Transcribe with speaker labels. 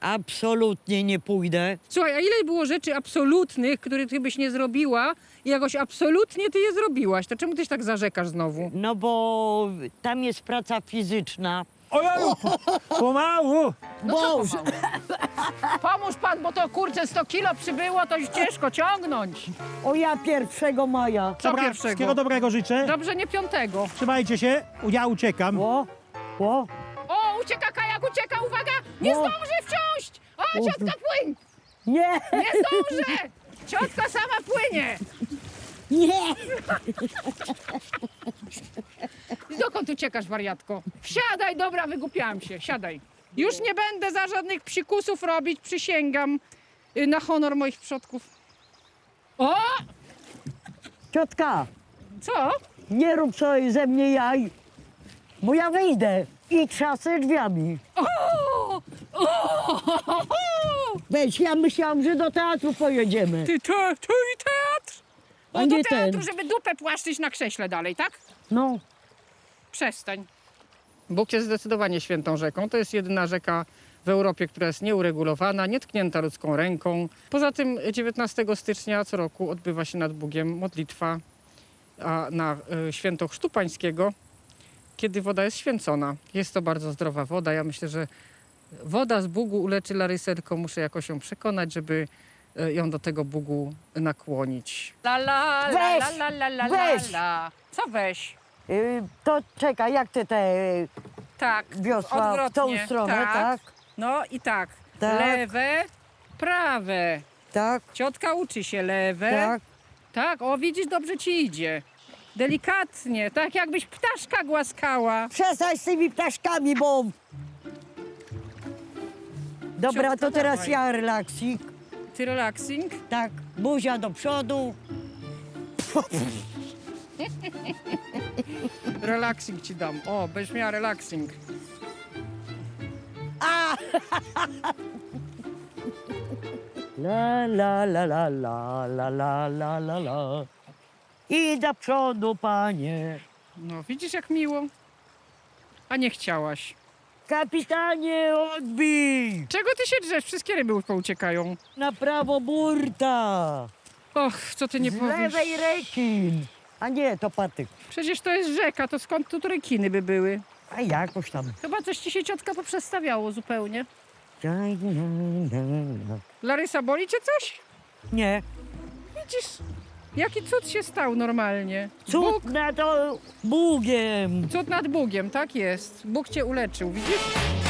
Speaker 1: Absolutnie nie pójdę.
Speaker 2: Słuchaj, a ile było rzeczy absolutnych, których ty byś nie zrobiła i jakoś absolutnie ty je zrobiłaś? To czemu ty się tak zarzekasz znowu?
Speaker 1: No bo tam jest praca fizyczna.
Speaker 3: Ojeju, pomału.
Speaker 1: Boże!
Speaker 2: Pomóż pan, bo to kurczę 100 kilo przybyło, to już ciężko ciągnąć.
Speaker 1: O ja 1 maja.
Speaker 2: Co
Speaker 3: Dobra,
Speaker 2: pierwszego?
Speaker 3: wszystkiego dobrego życzę.
Speaker 2: Dobrze, nie 5.
Speaker 3: Trzymajcie się, ja uciekam.
Speaker 1: O, o.
Speaker 2: O, ucieka kajak, ucieka, uwaga! Nie
Speaker 1: O.
Speaker 2: zdążę wciąż! O, ciotka płyń!
Speaker 1: Nie,
Speaker 2: Nie zdążę! Ciotka sama płynie!
Speaker 1: nie.
Speaker 2: Dokąd uciekasz, wariatko? Wsiadaj, dobra, wygłupiałam się, siadaj. Już nie będę za żadnych psikusów robić, przysięgam na honor moich przodków. O!
Speaker 1: Ciotka,
Speaker 2: Co?
Speaker 1: nie rób sobie ze mnie jaj, bo ja wyjdę i trzasę drzwiami.
Speaker 2: O!
Speaker 1: Weź, ja myślałam, że do teatru pojedziemy.
Speaker 2: Ty i teatr?
Speaker 1: A
Speaker 2: No do
Speaker 1: nie
Speaker 2: teatru,
Speaker 1: ten.
Speaker 2: żeby dupę płaszczyć na krześle dalej, tak?
Speaker 1: No,
Speaker 2: Przestań. Bóg jest zdecydowanie świętą rzeką. To jest jedyna rzeka w Europie, która jest nieuregulowana, nietknięta ludzką ręką. Poza tym 19 stycznia co roku odbywa się nad Bugiem modlitwa na święto Chrztu Pańskiego, kiedy woda jest święcona. Jest to bardzo zdrowa woda. Ja myślę, że woda z Bugu uleczy Larysę, tylko muszę jakoś ją przekonać, żeby ją do tego Bugu nakłonić. La la
Speaker 1: Weź,
Speaker 2: la la la la
Speaker 1: weź.
Speaker 2: la. Co weź?
Speaker 1: to czekaj, jak ty te
Speaker 2: Tak,
Speaker 1: wiosła w tą
Speaker 2: odwrotnie.
Speaker 1: stronę, tak?
Speaker 2: No i tak.
Speaker 1: Tak.
Speaker 2: Lewe, prawe.
Speaker 1: Tak,
Speaker 2: Ciotka uczy się lewe.
Speaker 1: tak.
Speaker 2: Tak, o widzisz, dobrze ci idzie. Delikatnie, tak jakbyś ptaszka głaskała.
Speaker 1: Przestań z tymi ptaszkami, bo... Dobra,
Speaker 2: Ciotka,
Speaker 1: to teraz
Speaker 2: dawaj.
Speaker 1: ja relaksik.
Speaker 2: Ty relaxing?
Speaker 1: Tak, buzia do przodu.
Speaker 2: Relaxing ci dam. O, będziesz miała relaxing.
Speaker 1: La la la la la la la la la la. I do przodu, panie.
Speaker 2: No, widzisz jak miło? A nie chciałaś.
Speaker 1: Kapitanie, odbij!
Speaker 2: Czego ty się drzesz? Wszystkie ryby pouciekają.
Speaker 1: Na prawo burta.
Speaker 2: Och, co ty nie
Speaker 1: Z
Speaker 2: powiesz?
Speaker 1: lewej rekin. A nie, to patyk.
Speaker 2: Przecież to jest rzeka, to skąd tu rekiny by były?
Speaker 1: A jakoś tam.
Speaker 2: Chyba coś ci się ciotka poprzestawiało zupełnie. Larysa, boli cię coś?
Speaker 1: Nie.
Speaker 2: Widzisz, jaki cud się stał normalnie.
Speaker 1: Cud nad Bugiem.
Speaker 2: Cud nad Bugiem, tak jest. Bóg cię uleczył, widzisz?